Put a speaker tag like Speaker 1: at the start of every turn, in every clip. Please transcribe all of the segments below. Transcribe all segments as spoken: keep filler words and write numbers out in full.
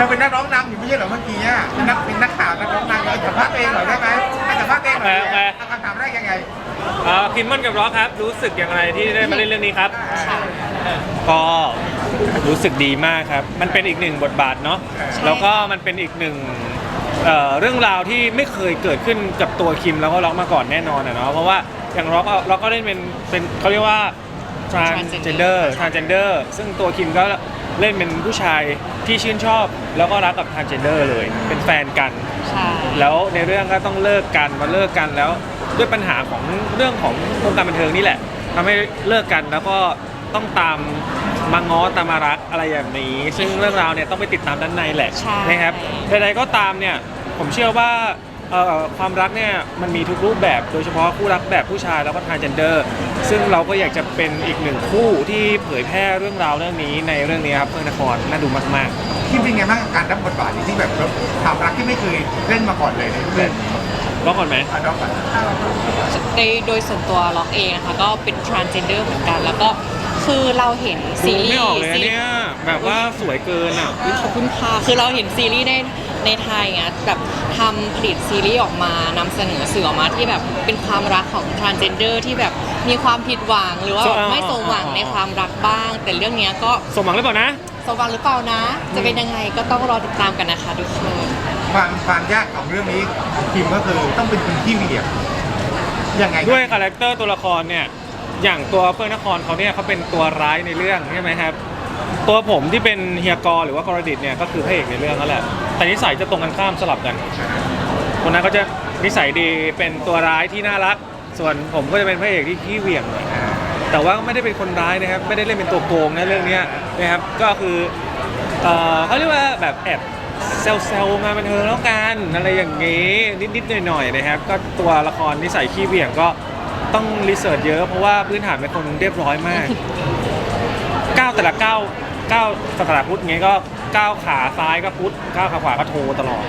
Speaker 1: เราเป็นนักร้องนำอยู่ไม่ใช่เหรอเมื่อกี้อ่ะเป็นนักเป็นนักข่าวนักร้องนำเราสัมภาษณ์เองเหรอได้ไหมให้สัมภาษณ์เองเหรอเอาคำถามแรกยังไง
Speaker 2: คิมมอนกับร็อกครับรู้สึกอย่างไรที่ได้มาเล่นเรื่องนี้ครับก็รู้สึกดีมากครับมันเป็นอีกหนึ่งบทบาทเนาะแล้วก็มันเป็นอีกหนึ่งเอ่อเรื่องราวที่ไม่เคยเกิดขึ้นกับตัวคิมแล้วก็ร็อกมาก่อนแน่นอนอะเนาะเพราะว่าอย่างร็อกร็อกก็เล่นเป็นเป็นเขาเรียกว่า transgender transgender ซึ่งตัวคิมก็เล่นเป็นผู้ชายที่ชื่นชอบแล้วก็รักกับ transgender เลยเป็นแฟนกันแล้วในเรื่องก็ต้องเลิกกันมาเลิกกันแล้วด้วยปัญหาของเรื่องของวงการบันเทิงนี่แหละทำให้เลิกกันแล้วก็ต้องตามมาง้อตามมารักอะไรอย่างนี้ซึ่งเรื่องราวเนี่ยต้องไปติดตามด้านในแหละนะครับใดๆก็ตามเนี่ยผมเชื่อว่าความรักเนี่ยมันมีทุกรูปแบบโดยเฉพาะคู่รักแบบผู้ชายแล้วก็ transgender ซึ่งเราก็อยากจะเป็นอีกหนึ่งคู่ที่เผยแพร่เรื่องราวเรื่องนี้ในเรื่องนี้ครับเพื่อนนครน่าดูมาก
Speaker 1: ๆคิมเป็นไงบ้างการรับบทบาทที่แบบความรักที่ไม่เคยเล่นมาก่อนเลยเรื่องนี้
Speaker 2: ล็อกก่อนไหม
Speaker 1: ล็อกก่อน
Speaker 3: ในโดยส่วนตัวล็อกเองนะคะก็เป็น transgender เหมือนกันแล้วก็คือเราเห็นซีรีส์ไม่
Speaker 2: ออกเลยเนี่ยแบบว่าสวยเกินอ่ะ
Speaker 3: ขอบคุณค่ะคือเราเห็นซีรีส์ในในไทยเงี้ยแบบทำผลิตซีรีส์ออกมานำเสนอสื่อออกมาที่แบบเป็นความรักของ transgender ที่แบบมีความผิดหวังหรือว่าไม่สมหวังในความรักบ้างแต่เรื่องนี้ก็
Speaker 2: สมหวังหรือเปล่านะ
Speaker 3: สมหวังหรือเปล่านะจะเป็นยังไงก็ต้องรอติดตามกันนะคะทุกคน
Speaker 1: ความความยากของเรื่องนี้คิมก็คือต้องเป็นคนที่เหวี่ยงยังไง
Speaker 2: ด้วยคาแรคเตอร์ตัวละครเนี่ยอย่างตัวเฟื่องนครเขาเนี่ยเขาเป็นตัวร้ายในเรื่องใช่ไหมครับตัวผมที่เป็นเฮียกอหรือว่ากรดิตเนี่ยก็คือพระเอกในเรื่องนั่นแหละแต่นิสัยจะตรงกันข้ามสลับกันคนนั้นก็จะนิสัยดีเป็นตัวร้ายที่น่ารักส่วนผมก็จะเป็นพระเอกที่ขี้เหวี่ยงแต่ว่าไม่ได้เป็นคนร้ายนะครับไม่ได้เล่นเป็นตัวโกงนะเรื่องนี้นะครับก็คือเขาเรียกว่าแบบแอบเซลล์มาบันเทิงแล้วกันอะไรอย่างงี้นิดๆหน่อยๆนะครับก็ตัวละครนิสัยขี้เหวี่ยงก็ต้องรีเสิร์ชเยอะเพราะว่าพื้นฐานเป็นคนเรียบร้อยมากก้าวแต่ละก้าวก้าวสถาพุทธเงี้ยก็ก้าวขาซ้ายก็พุทธก้าวขาขวาก็โทตลอด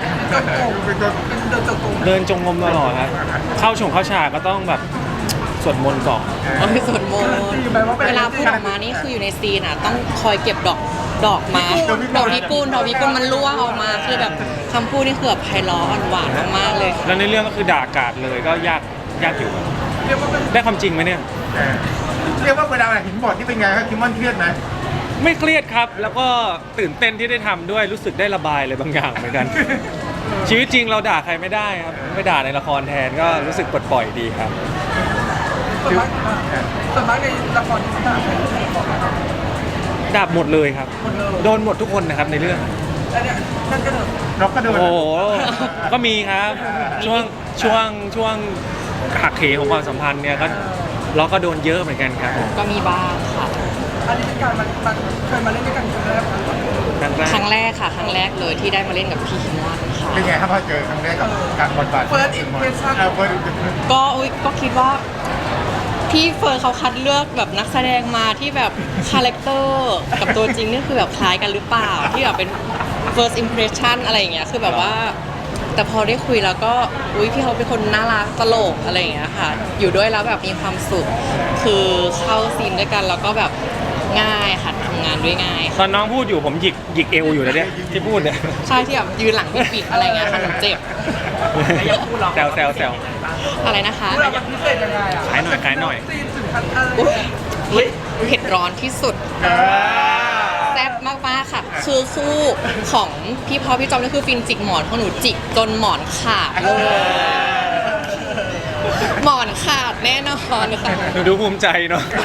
Speaker 2: เดินจงกรมตลอดครับเข้าชงเข้าฉากก็ต้องแบบสวดมนต์ก่อน
Speaker 3: สวดมนต์เวลาพูดออกมานี่คืออยู่ในซีนอ่ะต้องคอยเก็บดอกดอกมาดอกพิกุลดอกพิกุลมันร่วงออกมาคือแบบคำพูดนี่คือแบบไพเราะอ่อนหวานมากๆเลย
Speaker 2: แล้วในเรื่องก็คือด่ากาดเลยก็ยากยากอยู่ได้ความจริงไหมเนี่ย
Speaker 1: เรียกว่าเวลาเห็นบทที่เป็นไงครับคิมมอนเครียดไหม
Speaker 2: ไม่เครียดครับแล้วก็ตื่นเต้นที่ได้ทำด้วยรู้สึกได้ระบายอะไรบางอย่างเหมือนกันชีวิตจริงเราด่าใครไม่ได้ครับไม่ด่าในละครแทนก็รู้สึกปลดปล่อยดีครับ
Speaker 4: ส่วนมากส่วนมากในละครที่ด่าใคร
Speaker 2: ด่าหมดเลยครับโดนหมดทุกคนนะครับในเรื่อง
Speaker 4: นั่นก็เดิน
Speaker 1: เราก็โดน
Speaker 2: โอ้โหก็มีครับช่วงช่วงช่วงหักเหของความสัมพันธ์เนี่ยก็เราก็โดนเยอะเหมือนกันครับ
Speaker 3: ก็มีบ้างค่ะ
Speaker 4: อันนี้เป็นการมันมันเคยมาเล่นด้วยกันครั้งแรก
Speaker 3: ครั้งแรกค่ะครั้งแรกเลยที่ได้มาเล่นกับพี่คิมมอนค่ะ
Speaker 1: เป็นไงครับพอเจอครั้งแรกกับการบทบาท
Speaker 4: First impression
Speaker 3: ก็อุ้ยก็คิดว่าพี่เฟิร์นเขาคัดเลือกแบบนักแสดงมาที่แบบคาแรคเตอร์กับตัวจริงนี่คือแบบคล้ายกันหรือเปล่าที่แบบเป็น first impression อะไรอย่างเงี้ยคือแบบว่าแต่พอได้คุยแล้วก็อุ้ยพี่เขาเป็นคนน่ารักตลกอะไรอย่างเงี้ยค่ะอยู่ด้วยแล้วแบบมีความสุขคือเข้าซีนด้วยกันแล้วก็แบบง่ายค่ะทำงานด้วยง่าย
Speaker 2: ตอนน้องพูดอยู่ผมหยิกหยิกเอวอยู่นะเนี่ยที่พูดเนี่ย
Speaker 3: ใช่ที่แบบยืนหลังพี่ปิดอะไรเงี้ยค่ะหนูเจ็บ
Speaker 2: แซวแซวแซว
Speaker 3: อะไรนะคะ
Speaker 4: พิเศษยังไงอ่ะ
Speaker 2: ขายหน่อยขายหน่อย
Speaker 3: เผ็ดร้อนที่สุดแซ่บมากๆค่ะคือคู่ของพี่พอพี่จอมนี่คือฟินจิกหมอนของหนูจิกจนหมอนขาดเลยหมอนขาดแน่นอนค่ะ
Speaker 2: หนูดูภูมิใจเนาะ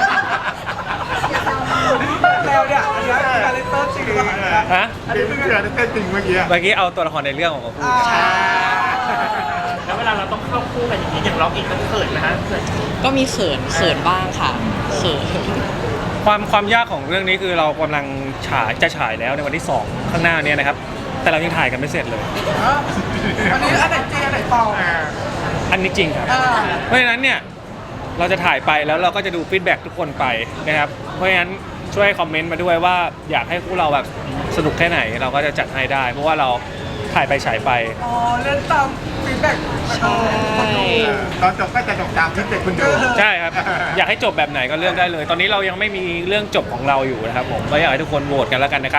Speaker 4: แล้วเนี่ยอันนี้คือคาแรคเตอร์จริงหรือเปล่า
Speaker 2: ฮะ
Speaker 1: อันนี้คือคาแรคเตอร์จริงเมื่อกี้
Speaker 2: เมื่อกี้เอาตัวละครในเรื่องออกมาพูด
Speaker 4: แล้วเวลาเราต้องเข้าคู่กันอย่างนี้อย่างล็อกอีกต้องเขินนะฮะ
Speaker 3: ก็มีเขินเขินบ้างค่ะเขิน
Speaker 2: ความความยากของเรื่องนี้คือเรากำลังฉายจะฉายแล้วในวันที่สองข้างหน้านี้นะครับแต่เรายังถ่ายกันไม่เสร็จเลย
Speaker 4: อันนี้อันไหนจริงอันไหนปลอม
Speaker 2: อันนี้จริงครับเพราะฉะนั้นเนี่ยเราจะถ่ายไปแล้วเราก็จะดูฟีดแบ็กทุกคนไปนะครับเพราะฉะนั้นช่วยคอมเมนต์มาด้วยว่าอยากให้คู่เราแบบสนุกแค่ไหนเราก็จะจัดให้ได้เพราะว่าเราถ่ายไปฉายไป
Speaker 4: อ๋อเล่นตามฟีดแบ็ก
Speaker 3: ใช่
Speaker 1: ตอนจบก็จะจบตามฟีดแบ็กคุณดู
Speaker 2: ใช่ครับอยากให้จบแบบไหนก็เลือกได้เลยตอนนี้เรายังไม่มีเรื่องจบของเราอยู่นะครับผมก็อยากให้ทุกคนโหวตกันแล้วกันนะครับ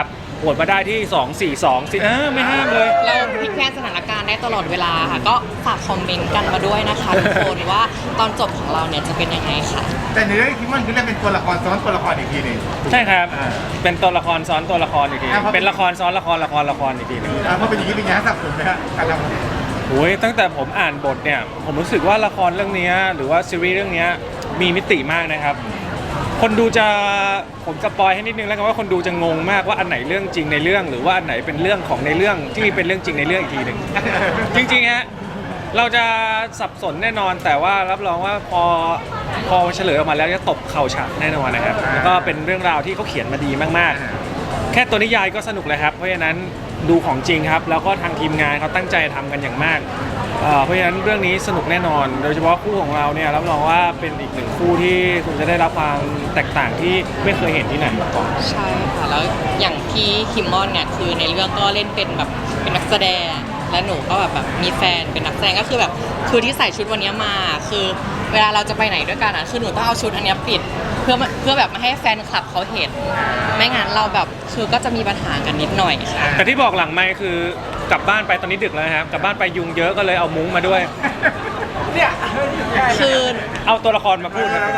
Speaker 2: วตมาได้ที่สอง สี่ สองสิเออไม่ห้ามเลย
Speaker 3: เราพลิกแพลงสถานการณ์ได้ตลอดเวลาค่ะ ก็ฝากคอมเมนต์กันมาด้วยนะคะทุกคนว่าตอนจบของเราเนี่ยจะเป็นยังไงค่ะ
Speaker 1: แต่ในเรื่องคิมมอนคือเล่นเป็นตัวละครซ้อนตัวละครอีกทีหนึง
Speaker 2: ใช่ครับ
Speaker 1: อ่า
Speaker 2: เป็นตัวละครซ้อนตัวละครอีกที
Speaker 1: อ่าเพราะ
Speaker 2: เป็นละครซ้อนละครละครละครอีกทีหนึง
Speaker 1: อ่าเพราะเป็นอย่างนี้เป็นไงฮะสับสนไหมฮะการทำ
Speaker 2: โอ้ยตั้งแต่ผมอ่านบทเนี่ยผมรู้สึกว่าละครเรื่องเนี้ยหรือว่าซีรีส์เรื่องเนี้ยมีมิติมากนะครับ คนดูจะผมสปอยให้นิดนึงแล้วกันว่าคนดูจะงงมากว่าอันไหนเรื่องจริงในเรื่อง หรือว่าอันไหนเป็นเรื่องของในเรื่องที่เป็นเรื่องจริงในเรื่องอีกทีหนึ่ง จริงๆฮะเราจะสับสนแน่นอนแต่ว่ารับรองว่าพอพอเฉลยออกมาแล้วจะตบเข่าฉากแน่นอนนะครับแล้วก็เป็นเรื่องราวที่เขาเขียนมาดีมากๆ แค่ตัวนิยายก็สนุกเลยครับเพราะฉะนั้นดูของจริงครับแล้วก็ทางทีมงานเขาตั้งใจทำกันอย่างมากเอ่อเพราะฉะนั้นเรื่องนี้สนุกแน่นอน โดยเฉพาะคู่ของเราเนี่ยรับรองว่าเป็นอีกหนึ่งคู่ที่คุณจะได้รับความแตกต่างที่ไม่เคยเห็นที่ไหนมาก่อน
Speaker 3: ใช่ค่ะ แล้วอย่างพี่คิมมอนเนี่ยคือในเรื่องก็เล่นเป็นแบบเป็นนักแสดง และหนูก็แบบแบบมีแฟนเป็นนักแสดงก็คือแบบคือที่ใส่ชุดวันนี้มาคือเวลาเราจะไปไหนด้วยกันอ่ะคือหนูต้องเอาชุดอันเนี้ยปิดเพื่อเพื่อแบบไม่ให้แฟนคลับเขาเห็น ไม่งั้นเราแบบคือก็จะมีปัญหากันนิดหน่อยค่ะ
Speaker 2: แต่ที่บอกหลังไม่คือกลับบ้านไปตอนนี้ดึกแล้วนะครับกลับบ้านไปยุงเยอะก็เลยเอามุ้งมาด้วย
Speaker 1: เนี่ย
Speaker 3: คือ
Speaker 2: เอาตัวละครมาพูดครับ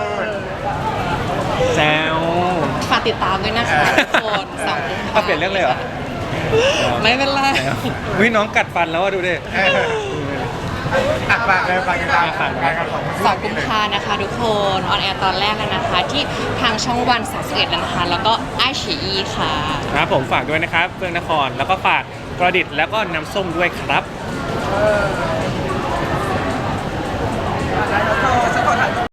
Speaker 2: แซว
Speaker 3: ฝากติดตามด้วยนะคะทุกคนสองกุมภา
Speaker 2: เอาเปลี่ยนเรื่องเลยเหรอ
Speaker 3: ไม่เป็นไร
Speaker 2: วิน้องกัดฟันแล้วอะดูดิ
Speaker 1: เอออ่ะฝากเลยฝากกันตาม
Speaker 2: ฝาก
Speaker 1: การกันของ
Speaker 3: สองกุมภานะคะทุกคนออนแอร์ตอนแรกแล้วนะคะ ที่ทางช่องวันสามสิบเอ็ดแล้วนะคะ แล้วก็ไอชีอีค่ะ
Speaker 2: ครับผมฝากด้วยนะครับเฟื่องนครแล้วก็ฝากประดิษฐ์แล้วก็น้ำส้มด้วยครับ
Speaker 1: ค